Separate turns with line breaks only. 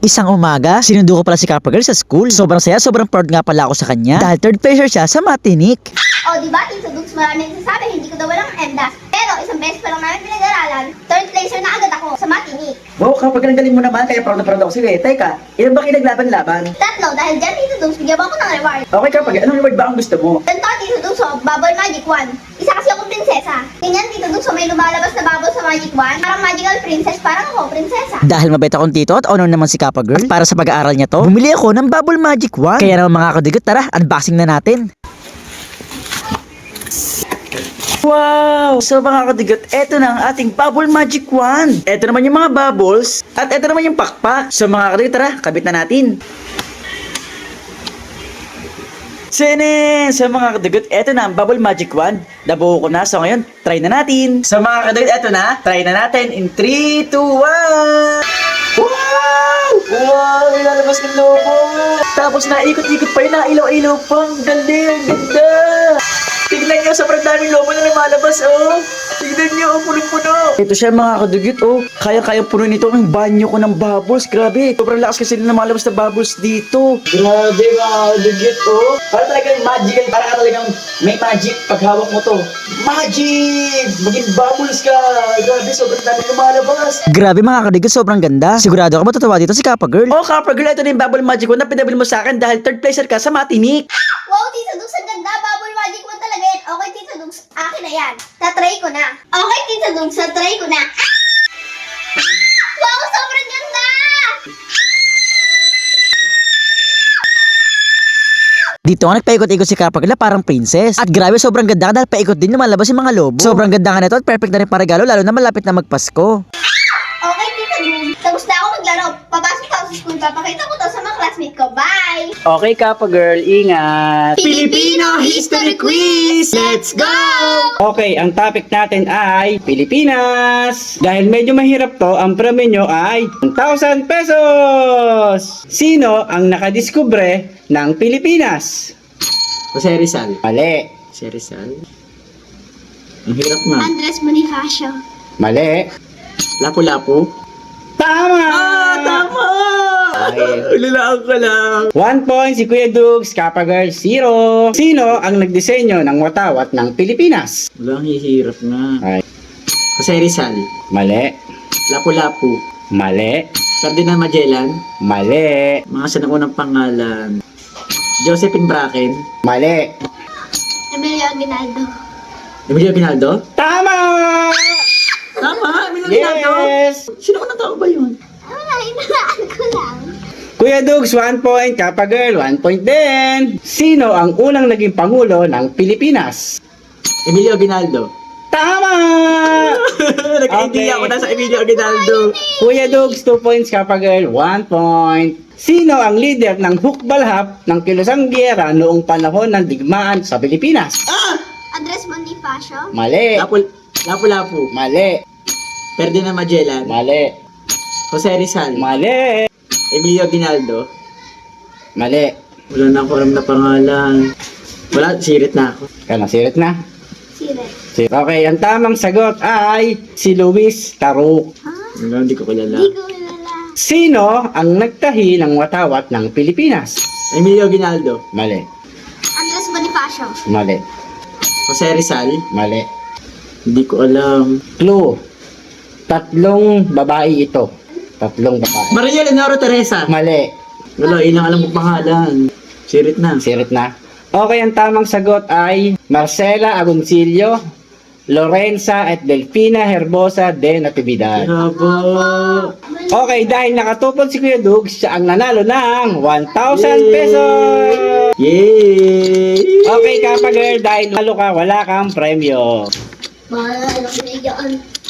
Isang umaga, sinundo ko pala si Kappa Girl sa school. Sobrang saya, sobrang proud nga pala ako sa kanya. Dahil third placer siya sa Matinik.
O, diba? Tito Dugs, maraming nagsasabi, hindi ko daw walang MDAS. Pero isang beses pa lang namin pinag-aralan, third placer na agad ako sa Matinik.
Wow, kapag ang galing mo naman, kaya proud na proud ako sa'yo eh. Teka, ilan ba kayo naglaban-laban?
Tatlo, dahil dyan, Tito Dugs, bigyan mo ako ng reward.
Okay kapag, anong reward ba ang gusto mo?
Ganito, Tito Dugs, Bubble Magic Wand. Isa kasi akong prinsesa. Ganyan, Tito Dugs, may lumalabas na bubble sa Magic Wand. Parang magical princess, parang ako, prinsesa.
Dahil mabait akong tito at honor naman si Kappa Girl. At para sa pag-aaral niya to, bumili ako ng Bubble Magic Wand. Kaya naman mga kadigot, tara, unboxing na natin.
Wow! So mga kadigot, eto na ang ating Bubble Magic Wand. Eto naman yung mga bubbles, at eto naman yung pakpak. So mga kadigot, tara, kabit na natin. Sinin! So mga kadigot, eto na ang Bubble Magic Wand. Nabuo ko na, so ngayon, try na natin. So mga kadigot, eto na, try na natin in 3, 2, 1! Wow! Wow! Ilalabas ng lobo! Tapos naikot-ikot pa yun, nailaw-ilaw pa. Ang galing, ang ganda! Tignan nyo, sobrang daming lobo na lumalabas, oh! Tignan nyo, oh, punong-puno! Ito siya mga kadugit, oh! Kaya-kaya puno nito ang banyo ko ng bubbles, grabe! Sobrang lakas kasi na lumalabas na bubbles dito! Grabe mga kadugit, oh! Para talagang magical, para ka talagang may magic pag hawak mo to. Magic! Maging bubbles ka! Grabe, sobrang daming lumalabas!
Grabe mga kadigot, sobrang ganda. Sigurado ako matutuwa dito si Kappa Girl.
Oh, Kappa Girl, ito na yung Bubble Magic Wand na pinabil mo sa akin dahil third placer ka sa Matinik!
Wow, Tito Dugs, ang ganda. Bubble Magic Wand talaga yan. Okay, Tito Dugs, akin na yan. Tatry ko na. Okay, Tito Dugs, tatry ko na. Wow, sobrang ganda!
Dito nga nagpaikot-ikot si Kappa Girl na parang princess. At grabe, sobrang ganda dahil paikot din lumalabas yung mga lobo. Sobrang ganda nga nito at perfect na rin para regalo lalo na malapit na magpasko.
Okay, Tito Dugs, tapos na ako maglaro. Papasok ako sa school, papakita ko to sa mga classmate ko. Bye!
Okay, Kappa Girl, ingat!
Filipino History Quiz! Let's go!
Okay, ang topic natin ay Pilipinas! Dahil medyo mahirap to, ang premyo nyo ay 1,000 pesos! Sino ang nakadiskubre ng Pilipinas?
Jose Rizal.
Mali.
Jose Rizal. Ang hirap nga.
Andres Bonifacio.
Mali.
Lapu-lapu.
Tama!
Tama!
Okay.
Ulilaan ko lang.
1 point si Kuya Dugs, Kappa Girl 0. Sino ang nagdisenyo ng watawat ng Pilipinas?
Walang hihirap nga.
Ay,
Jose Rizal.
mali.
Lapu-lapu.
Mali.
Ferdinand Magellan.
Mali.
Mga sinaunang pangalan. Josephine Bracken.
Mali.
Emilio Aguinaldo.
Emilio Aguinaldo?
Tama!
Tama, Emilio Aguinaldo.
Yes!
Sino unang tao ba yun?
Wala, inalaan ko lang.
Kuya Dugs, 1 point. Kappa Girl, 1 point din. Sino ang unang naging pangulo ng Pilipinas?
Emilio Aguinaldo.
Tama!
Nagka-idea
Okay.
ako na sa Emilio Aguinaldo.
Kuya Dugs, 2 points. Kappa Girl, 1 point. Sino ang leader ng hukbalhap ng kilusang giyera noong panahon ng digmaan sa Pilipinas?
Andres Bonifacio.
Mali.
Lapu-lapu.
Mali.
Ferdinand Magellan.
Mali.
Jose Rizal.
Mali.
Emilio Aguinaldo.
Mali.
Wala na ako alam na pangalan. Wala, sirit na ako.
Kaya sirit na.
Sire.
Okay, ang tamang sagot ay si Luis Taruk.
Wala, hindi ko kilala.
Di ko kilala.
Sino ang nagtahi ng watawat ng Pilipinas?
Emilio Aguinaldo.
Mali.
Andres Bonifacio.
Mali.
Jose Rizal.
Mali.
Hindi ko alam.
Clue. 3 babae ito. 3 babae.
Maria Leonora Teresa.
Mali.
Wala, ilang alam ko pangalan. Sirit na.
Sirit na. Okay, ang tamang sagot ay Marcela Agoncillo, Lorenza at Delfina Herbosa de Natividad.
Haba.
Okay, dahil nakatupon si Kuya Dugs, siya ang nanalo ng 1,000 pesos!
Yay!
Okay, Kappa Girl, dahil nalo ka, wala kang premyo.
Mahal na binigyan.